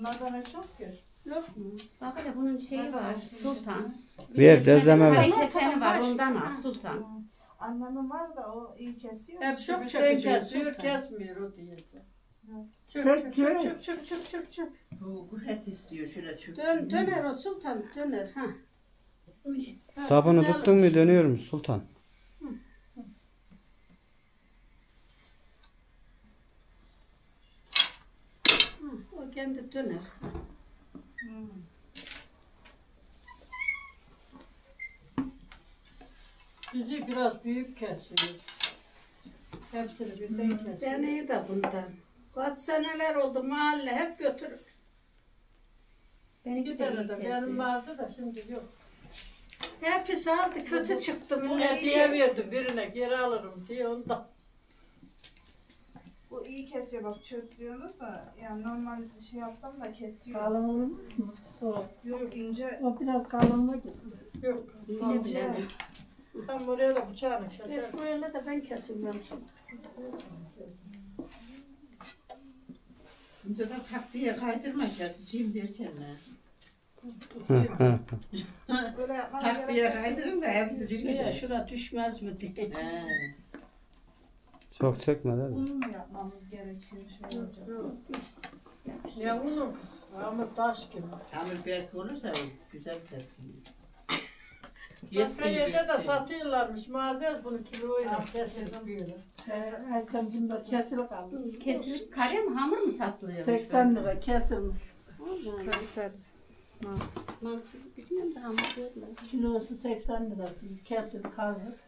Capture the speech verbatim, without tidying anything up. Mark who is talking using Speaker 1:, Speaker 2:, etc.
Speaker 1: Bunlardan ne çok ki?
Speaker 2: Yok mu? Bak hele bunun şeyi var Sultan.
Speaker 3: Ver dezleme ver.
Speaker 2: Bir keseni var ondan al Sultan.
Speaker 1: Annemin var da o iyi kesiyor.
Speaker 4: Hep
Speaker 1: İşte
Speaker 4: çok
Speaker 1: bir-
Speaker 4: çakıcı kesiyor, kesmiyor o diyecek. Çök çök çök çök çök çök çök çök.
Speaker 5: Bu kuhet istiyor şöyle çök.
Speaker 4: Dön, döner o Sultan, döner. Ha.
Speaker 3: Sabunu tuttun mu dönüyormuş Sultan.
Speaker 4: O kendi döner. Bizi biraz büyük kesiyor. Hepsini birden kesiyor. Ben iyi de bundan. Kaç seneler oldu mahalle hep götürür.
Speaker 2: Benimki
Speaker 4: Bir
Speaker 2: de
Speaker 4: tane
Speaker 2: iyi
Speaker 4: de
Speaker 2: kesiyor.
Speaker 4: benim vardı da şimdi yok. Hepsi aldı kötü çıktı
Speaker 1: Bu
Speaker 4: millet
Speaker 1: iyi
Speaker 4: diye
Speaker 1: kesiyor.
Speaker 4: verdim birine geri alırım diye ondan.
Speaker 1: Bu iyi kesiyor bak çöktürüyorsunuz da yani normal şey yapsam da kesiyor.
Speaker 6: Kalın olmuş mu? O,
Speaker 1: Yok ince.
Speaker 6: o biraz kalınlık gitti.
Speaker 4: Yok.
Speaker 2: İnce bile.
Speaker 4: Tam oraya da bıçağını keser.
Speaker 2: Evet, böyle de ben kesilmiyorum Sultan.
Speaker 5: Önceden takviye kaydırma keseceğim derken ne?
Speaker 1: Böyle yapmam
Speaker 5: Takviye
Speaker 1: gerek.
Speaker 5: kaydırın da hepsi bir
Speaker 4: Şuraya
Speaker 5: gider.
Speaker 4: şura düşmez mi diye.
Speaker 5: He.
Speaker 3: Çok çekme değil mi?
Speaker 1: Bunu mu yapmamız gerekiyor şey olacak?
Speaker 4: Yok. Ne unu kız? Ama taş gibi.
Speaker 5: Hamur belki olursa güzel kesiyor.
Speaker 4: Başka yerde de satıyorlarmış. Mağazaya bunu kiloyla kesildim böyle.
Speaker 6: Ee, Erken bunda kesil kaldı.
Speaker 2: Kesilip kare mi hamur mu satılıyor?
Speaker 6: seksen lira kesilmiş.
Speaker 1: Kayseri.
Speaker 2: Mantığı biliyorum da hamur görmedim.
Speaker 6: Kilosu seksen lira. Kesil kaldı.